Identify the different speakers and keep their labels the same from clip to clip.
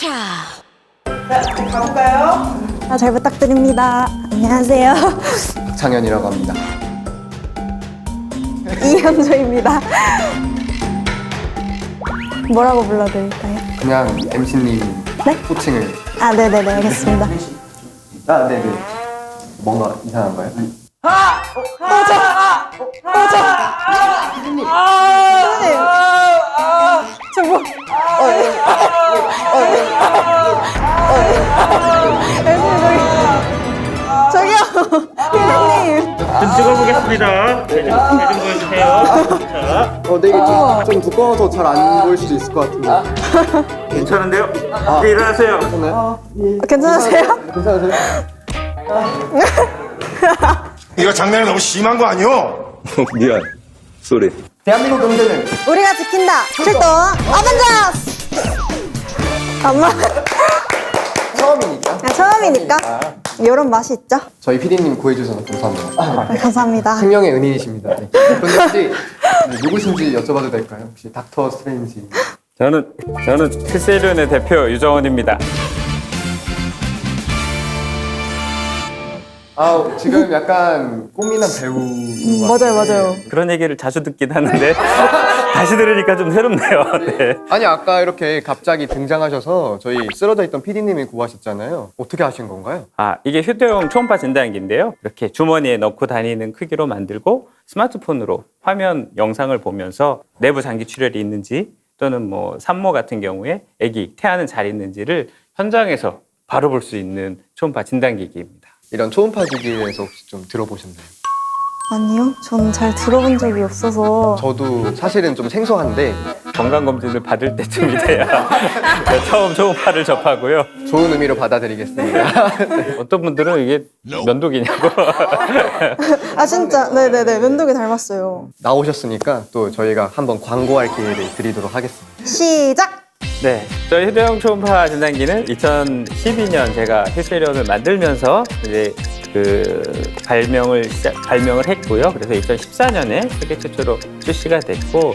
Speaker 1: 가볼까요?
Speaker 2: 잘 부탁드립니다. 안녕하세요.
Speaker 3: 박창현이라고 합니다.
Speaker 2: 이현조입니다. 뭐라고 불러드릴까요?
Speaker 3: 그냥 MC님
Speaker 2: 네?
Speaker 3: 호칭을.
Speaker 2: 네네네, 알겠습니다.
Speaker 3: 네네. 뭔가 이상한가요?
Speaker 2: 선생님! 저 뭐... 저기요! 선생님!
Speaker 4: 좀 찍어보겠습니다. 좀 보여주세요. 자,
Speaker 3: 근데 이게 좀 두꺼워서 잘 안 보일 수도 있을 것 같은데.
Speaker 4: 괜찮은데요? 네, 일어나세요.
Speaker 2: 괜찮으세요?
Speaker 3: 괜찮으세요?
Speaker 5: 이거 장난이 너무 심한 거 아니오?
Speaker 6: 미안. 쏘리.
Speaker 3: 대한민국 경제는
Speaker 2: 우리가 지킨다! 출동! 어벤져스! 엄마.
Speaker 3: 처음이니까.
Speaker 2: 처음이니까 이런 맛이 있죠?
Speaker 3: 저희 PD님 구해주셔서 감사합니다.
Speaker 2: 감사합니다.
Speaker 3: 생명의 은인이십니다. 네. 그런데 혹시 누구신지 여쭤봐도 될까요? 혹시 닥터 스트레인지.
Speaker 4: 저는 필세련의 대표 유정원입니다.
Speaker 3: 지금 약간 꽃미남 배우.
Speaker 2: 맞아요.
Speaker 4: 그런 얘기를 자주 듣긴 하는데 다시 들으니까 좀 새롭네요. 네.
Speaker 3: 아니 아까 이렇게 갑자기 등장하셔서 저희 쓰러져 있던 PD님이 구하셨잖아요. 어떻게 하신 건가요?
Speaker 4: 이게 휴대용 초음파 진단기인데요. 이렇게 주머니에 넣고 다니는 크기로 만들고 스마트폰으로 화면 영상을 보면서 내부 장기 출혈이 있는지 또는 뭐 산모 같은 경우에 아기 태아는 잘 있는지를 현장에서 바로 볼 수 있는 초음파 진단기기입니다.
Speaker 3: 이런 초음파 기기에 대해서 혹시 좀 들어보셨나요?
Speaker 2: 아니요, 전 잘 들어본 적이 없어서.
Speaker 3: 저도 사실은 좀 생소한데
Speaker 4: 건강검진을 받을 때쯤이 돼야 처음 초음파를 접하고요.
Speaker 3: 좋은 의미로 받아들이겠습니다.
Speaker 4: 어떤 분들은 이게 면도기냐고.
Speaker 2: 진짜? 네네네, 면도기 닮았어요.
Speaker 3: 나오셨으니까 또 저희가 한번 광고할 기회를 드리도록 하겠습니다.
Speaker 2: 시작!
Speaker 4: 네, 저희 휴대용 초음파 진단기는 2012년 제가 필세련을 만들면서 이제 발명을 했고요. 그래서 2014년에 세계 최초로 출시가 됐고,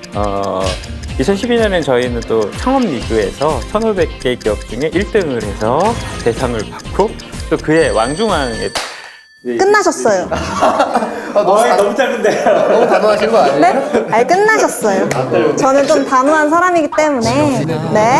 Speaker 4: 2012년엔 저희는 또 창업 리그에서 1,500개 기업 중에 1등을 해서 대상을 받고 또 그해 왕중왕에
Speaker 2: 끝나셨어요.
Speaker 4: 너무 짧은데요.
Speaker 3: 너무 단호하신 거 아니에요?
Speaker 2: 네? 끝나셨어요. 저는 좀 단호한 사람이기 때문에. 네.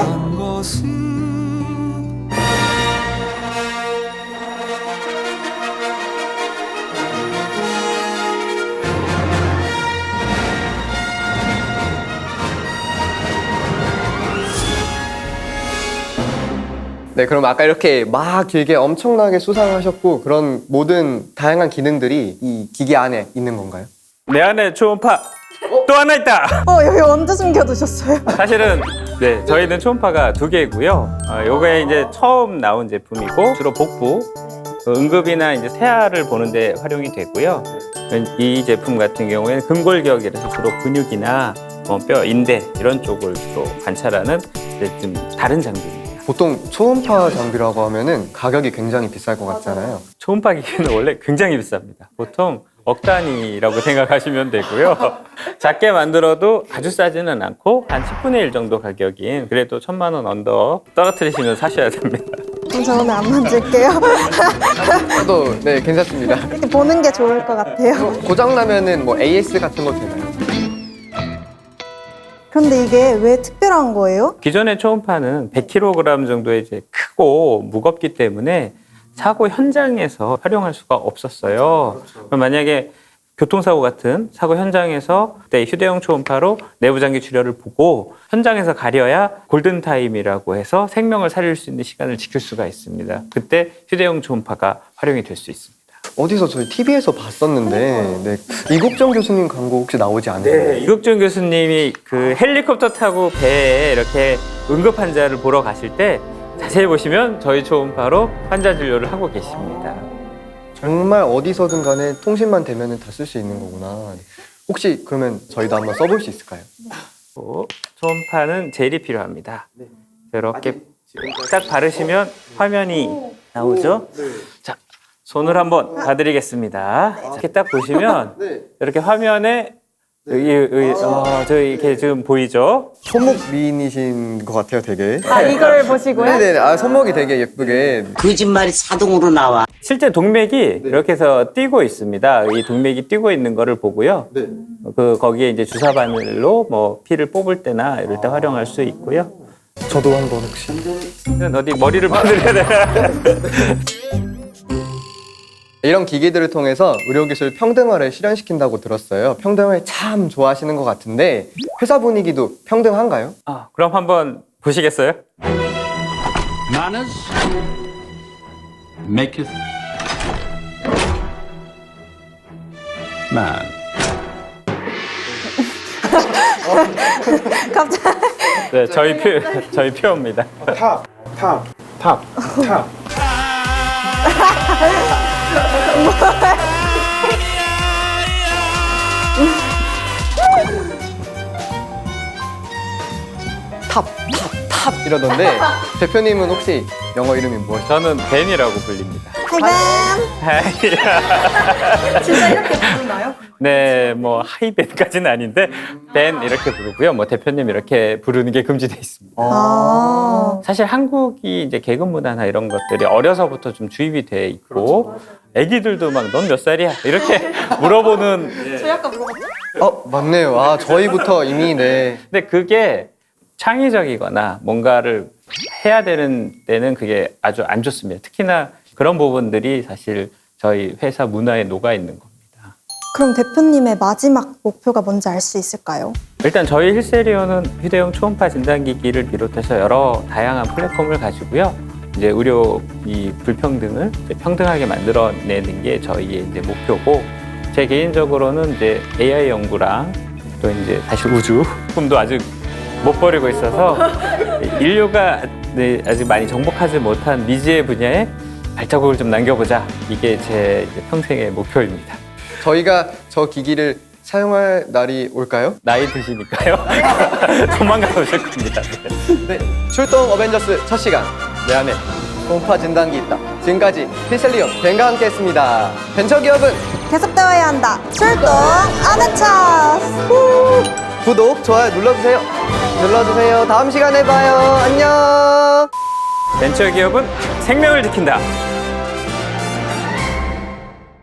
Speaker 3: 네, 그럼 아까 이렇게 막 길게 엄청나게 수상하셨고 그런 모든 다양한 기능들이 이 기기 안에 있는 건가요?
Speaker 4: 내 안에 초음파 또 하나 있다.
Speaker 2: 여기 언제 숨겨두셨어요?
Speaker 4: 사실은 네, 저희는 초음파가 2개고요. 요게 이제 처음 나온 제품이고 주로 복부, 응급이나 이제 태아를 보는데 활용이 되고요. 이 제품 같은 경우에는 근골격이라서 주로 근육이나 뼈, 인대 이런 쪽을 주로 관찰하는 이제 좀 다른 장비입니다.
Speaker 3: 보통 초음파 장비라고 하면은 가격이 굉장히 비쌀 것 같잖아요.
Speaker 4: 초음파 기기는 원래 굉장히 비쌉니다. 보통 억 단위라고 생각하시면 되고요. 작게 만들어도 아주 싸지는 않고 한 10분의 1 정도 가격인 그래도 1,000만 원 언더 떨어뜨리시면 사셔야 됩니다.
Speaker 2: 그럼 저 오늘 안 만질게요.
Speaker 3: 저도 네, 괜찮습니다.
Speaker 2: 이렇게 보는 게 좋을 것 같아요.
Speaker 3: 고장 나면은 뭐 AS 같은 거 되나요?
Speaker 2: 그런데 이게 왜 특별한 거예요?
Speaker 4: 기존의 초음파는 100kg 정도의 이제 크고 무겁기 때문에 사고 현장에서 활용할 수가 없었어요. 그럼 만약에 교통사고 같은 사고 현장에서 그때 휴대용 초음파로 내부장기 출혈을 보고 현장에서 가려야 골든타임이라고 해서 생명을 살릴 수 있는 시간을 지킬 수가 있습니다. 그때 휴대용 초음파가 활용이 될 수 있습니다.
Speaker 3: 어디서 저희 TV에서 봤었는데 네, 이국정 교수님 광고 혹시 나오지 않나요?
Speaker 4: 네, 이국준 교수님이 그 헬리콥터 타고 배에 이렇게 응급 환자를 보러 가실 때 자세히 보시면 저희 초음파로 환자 진료를 하고 계십니다.
Speaker 3: 정말 어디서든 간에 통신만 되면 다 쓸 수 있는 거구나. 혹시 그러면 저희도 한번 써볼 수 있을까요?
Speaker 4: 초음파는 젤이 필요합니다. 이렇게 딱 바르시면 화면이 나오죠? 자, 손을 한번 봐드리겠습니다. 이렇게 딱 보시면 이렇게 화면에 저 이렇게 지금 보이죠?
Speaker 3: 손목 미인이신 것 같아요, 되게.
Speaker 2: 아, 이걸 보시고요?
Speaker 3: 네네. 아, 손목이 되게 예쁘게.
Speaker 6: 거짓말이 자동으로 나와.
Speaker 4: 실제 동맥이 이렇게 해서 뛰고 있습니다. 이 동맥이 뛰고 있는 거를 보고요.
Speaker 3: 네.
Speaker 4: 거기에 이제 주사 바늘로 뭐 피를 뽑을 때나 이럴 때 활용할 수 있고요.
Speaker 3: 저도 한번 혹시.
Speaker 4: 어디 머리를 받으려야 되나?
Speaker 3: 이런 기기들을 통해서 의료기술 평등화를 실현시킨다고 들었어요. 평등을 참 좋아하시는 것 같은데 회사 분위기도 평등한가요?
Speaker 4: 그럼 한번 보시겠어요?
Speaker 7: Manners maketh man.
Speaker 2: 갑자기.
Speaker 4: 네, 저희 표입니다.
Speaker 5: 탑.
Speaker 3: 탑 이러던데 대표님은 혹시 영어 이름이 무엇이죠?
Speaker 4: 저는 벤이라고 불립니다.
Speaker 2: 하이벤.
Speaker 1: 진짜 이렇게 부르나요?
Speaker 4: 네, 뭐 하이벤까지는 아닌데 벤 이렇게 부르고요. 뭐 대표님 이렇게 부르는 게 금지돼 있습니다.
Speaker 2: 아.
Speaker 4: 사실 한국이 이제 개그 문화나 이런 것들이 어려서부터 좀 주입이 돼 있고 애기들도 막 넌 몇 살이야 이렇게 물어보는.
Speaker 1: 저희 아까 물어봤죠?
Speaker 3: 맞네요. 아, 저희부터 이미 네.
Speaker 4: 근데 그게 창의적이거나 뭔가를 해야 되는 때는 그게 아주 안 좋습니다. 특히나 그런 부분들이 사실 저희 회사 문화에 녹아 있는 겁니다.
Speaker 2: 그럼 대표님의 마지막 목표가 뭔지 알 수 있을까요?
Speaker 4: 일단 저희 힐세리온은 휴대용 초음파 진단기기를 비롯해서 여러 다양한 플랫폼을 가지고요. 이제 의료 이 불평등을 이제 평등하게 만들어내는 게 저희의 이제 목표고, 제 개인적으로는 이제 AI 연구랑 또 이제 사실 우주 꿈도 아직 못 버리고 있어서 인류가 아직 많이 정복하지 못한 미지의 분야에 발자국을 좀 남겨보자. 이게 제 이제 평생의 목표입니다.
Speaker 3: 저희가 저 기기를 사용할 날이 올까요?
Speaker 4: 나이 드시니까요. 조만간 오실 겁니다.
Speaker 3: 네. 출동 어벤져스 첫 시간. 내 안에 초음파 진단기 있다. 지금까지 힐셀리온 벤과 함께했습니다. 벤처기업은
Speaker 2: 계속되어야 한다. 출동 아베차스.
Speaker 3: 구독, 좋아요 눌러주세요. 다음 시간에 봐요. 안녕.
Speaker 4: 벤처기업은 생명을 지킨다.